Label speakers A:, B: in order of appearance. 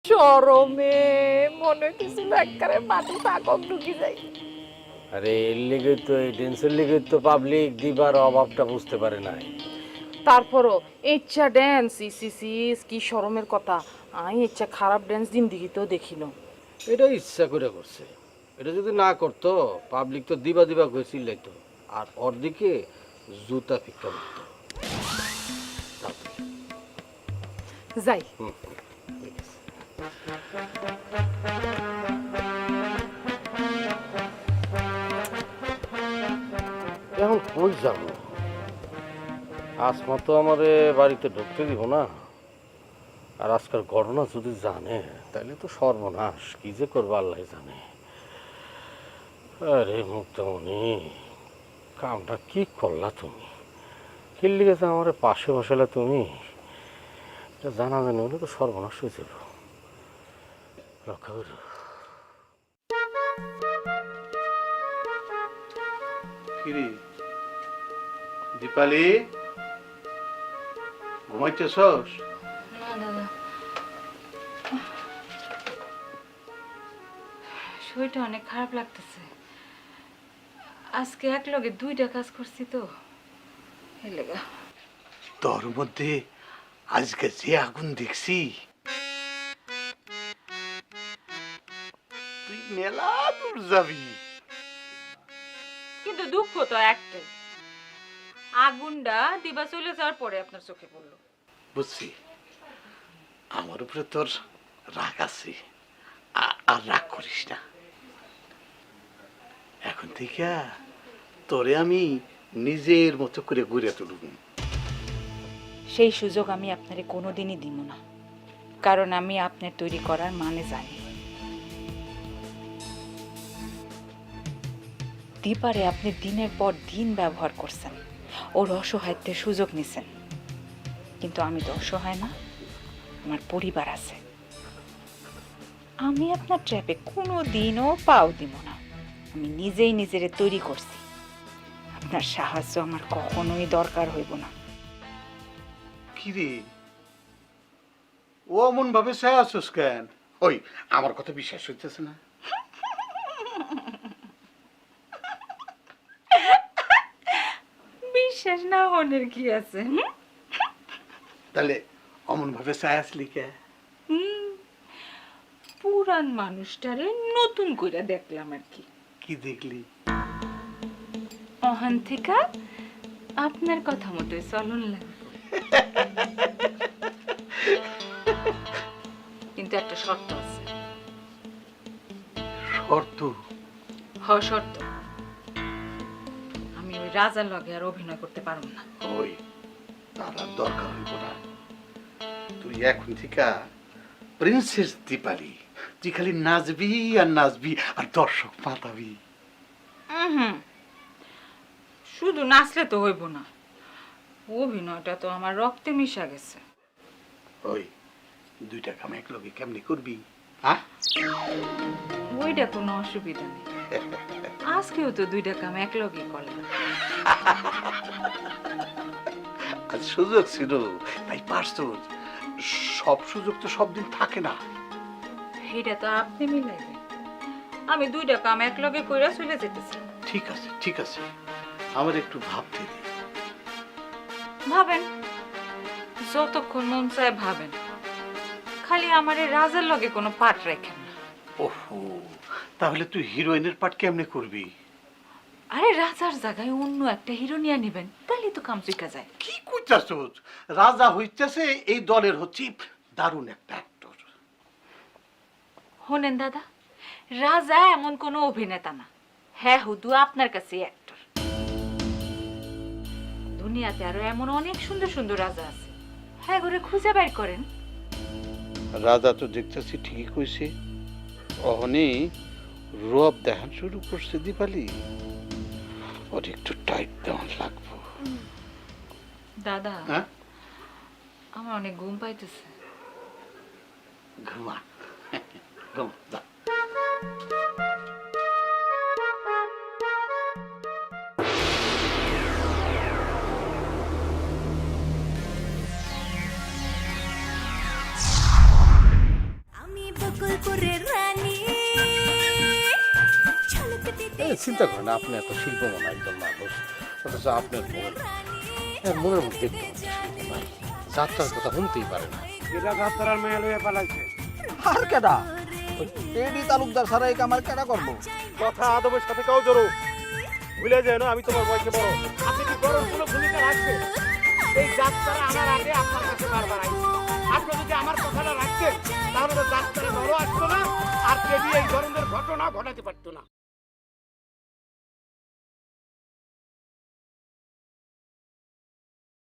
A: শরমে মনে হইতেছিল একবারে মাটি পাকক ঢুকি যাই।
B: আরে এর লিগে তো এই ড্যান্সের লিগে তো পাবলিক দিবার অভাবটা বুঝতে পারে নাই।
A: তারপরও ইচ্ছা ড্যান্স ইসিসিস কি শরমের কথা। আমি ইচ্ছা খারাপ ড্যান্স দিন দিকে তো দেখিল।
B: এটা ইচ্ছা করে করছে। এটা যদি না করতো পাবলিক তো দিবা দিবা করে চিল্লাইতো আর ওর দিকে জুতা ফিক্কা মারতো।
A: যাই
B: ঠিক আছে। এখন কই যাবো? আসমা তো আমারে বাড়িতে ঢুকতে দিব না। আর আজকাল ঘটনা যদি জানে তাহলে তো সর্বনাশ, কি যে করবো আল্লাহ জানে। আরে মুক্তামণি, কামটা কি করলা তুমি? কিল্লি গেছে আমার পাশে বসালে তুমি, এটা জানা জানি হলে তো সর্বনাশ হয়ে যাব। রক্ষা করো।
C: কিরে দীপালি, ঘুমাইতেছস?
D: না দাদা, শরীরটা অনেক খারাপ লাগতেছে। আজকে এক লগে দুইটা কাজ করছি তো এই লেগা।
C: তোর মধ্যে আজকে যে আগুন দেখছি, তুই মেলা দূর যাবি।
D: কিন্তু দুঃখ তো একটাই, আগুনটা দিবা চলে যাওয়ার পরে আপনার চোখে পড়লো।
C: বুঝছি, আমার উপরে তোর রাগ আছে, আর রাগ করিস না। এখন থেকে তোরে আমি নিজের মতো করে ঘুরে তুলব।
D: সেই সুযোগ আমি আপনারে কোনোদিনই দিব না, কারণ আমি আপনার তৈরি করার মানে জানি। দীপারে আপনি দিনের পর দিন ব্যবহার করছেন, ওর অসহায়ত্বের সুযোগ নিছেন। কিন্তু আমি তো অসহায় না, আমার পরিবার আছে। আমি আপনার ট্র্যাপে কোনো দিনও পাও দিব না। আমি নিজেই নিজেরে তৈরি করছি, আপনার সাহায্য আমার কখনোই দরকার হইব না।
C: কিরে, ও অমন ভাবে চাই আছিস কেন? ওই আমার কথা বিশ্বাস হইতেছে না?
D: বিশ্বাস না হনের কি আছে?
C: তাহলে অমন ভাবে চাই আসলি কে?
D: পুরান মানুষটারে নতুন করে দেখলাম আর কি।
C: কি দেখলি?
D: অহান থেকে আপনার কথা মতোই চলন লাগবে, কিন্তু একটা শর্ত আছে।
C: শর্ত?
D: শর্ত, আমি ওই রাজার লগে আর অভিনয় করতে পারব না।
C: ওই তার আর দরকার হইব না। তুই এখন থেকে প্রিন্সেস দীপালি, তুই খালি নাচবি আর নাচবি আর দর্শক মাতাবি।
D: শুধু নাচলে তো হইব না, অভিনয়টা তো আমার রক্তে মিশা গেছে।
C: ওই দুইটা কাম এক লগে কেমনি করবি? হ্যাঁ,
D: ওইটা কোনো অসুবিধা নেই, আজকেও তো দুইটা কাম এক লগে করলাম।
C: আর সুযোগ ছিল তাই পারছ। সব সুযোগ তো সব দিন থাকে না।
D: এটা তো আপনি মিলাইবেন, আমি দুইটা কাম এক লগে কইরা চলে যেতেছি।
C: ঠিক আছে, ঠিক আছে, আমার একটু ভাবতে দে।
D: ভাবেন, যতক্ষণ মন চায় ভাবেন, খালি আমার এই রাজার লগে কোনো পাঠ রাখেন না।
C: ওহো, তাহলে তুই হিরোইনের পার্ট কেমনে করবি?
D: আরে রাজার জায়গায় অন্য একটা হিরো নিয়ে নেবেন, তাহলে তো কাম চুকা যায়।
C: কি কইতাছস? রাজা হইতেছে এই দলের হচ্ছে দারুণ একটা অ্যাক্টর।
D: শোনেন দাদা, রাজা এমন কোনো অভিনেতা না, হ্যাঁ হুদু আপনার কাছে অ্যাক্টর। দুনিয়াতে আরো এমন অনেক সুন্দর সুন্দর রাজা আছে, হ্যাঁ করে খুঁজে বের করেন।
C: রাজা তো দেখতেছি ঠিকই কইছে, অহনি রূপ দেখান শুরু করছে দীপালি। ওর একটু টাইট দেওয়ান লাগবো।
D: দাদা,
C: হ্যাঁ,
D: আমার অনেক ঘুম পাইতেছে।
C: ঘুমা ঘুমা যা।
E: আমি বকুলপুরের রানী
B: চিন্তা করেন, আপনি এত শিল্পমান একজন মানুষ, অথচ আপনার মনের মধ্যে একটু শিল্প নাই। যাত্রার কথা শুনতেই পারে না।
F: এটা যাত্রার মেয়ে লইয়া পালাইছে।
G: আর কেডা এডি তালুকদার ছাড়া এই কামার কেডা করবো?
F: কথা আদবের সাথে কাউ জড়ো ভুলে যায় না, আমি তোমার বয়সে বড়। আপনি কি বড় কোনো ভূমিকা রাখবেন? এই যাত্রা আমার আগে আপনার কাছে বারবার আইছে। আপনি যদি আমার কথাটা রাখতেন তাহলে তো যাত্রা বড় আসতো না, আর কেবি এই ধরনের ঘটনা ঘটাতে পারতো না।